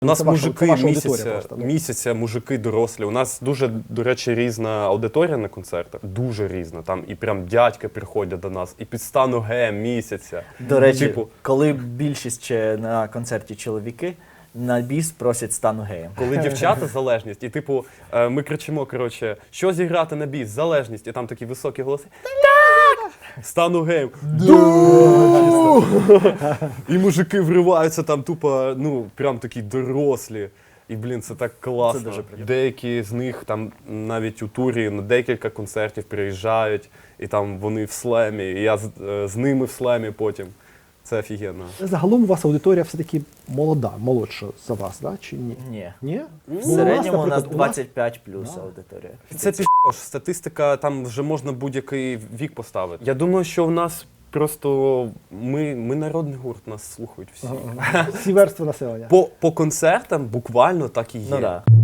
У нас мужики просто, місяця, мужики дорослі. У нас дуже, до речі, різна аудиторія на концертах. Дуже різна. Там і прям дядьки приходять до нас, і під стану геєм місяця. До речі, коли більшість ще на концерті чоловіки, на біс просять стану геєм. Коли дівчата залежність, і типу ми кричимо, коротше, що зіграти на біс, залежність, і там такі високі голоси. Так! Стану геєм. І мужики вриваються там тупо, ну, прям такі дорослі. І, блін, це так класно. Це дуже приємно. Деякі з них там навіть у турі на декілька концертів приїжджають, і там вони в слемі, і я з ними в слемі потім. Це офігенно. Загалом у вас аудиторія все-таки молода, молодша за вас, да? Чи ні? Ні. Ні? В середньому у нас 25 плюс аудиторія. Це статистика, там вже можна будь-який вік поставити. Я думаю, що в нас просто ми народний гурт, нас слухають всі. Всі верстви населення. По концертам буквально так і є. Ну, да.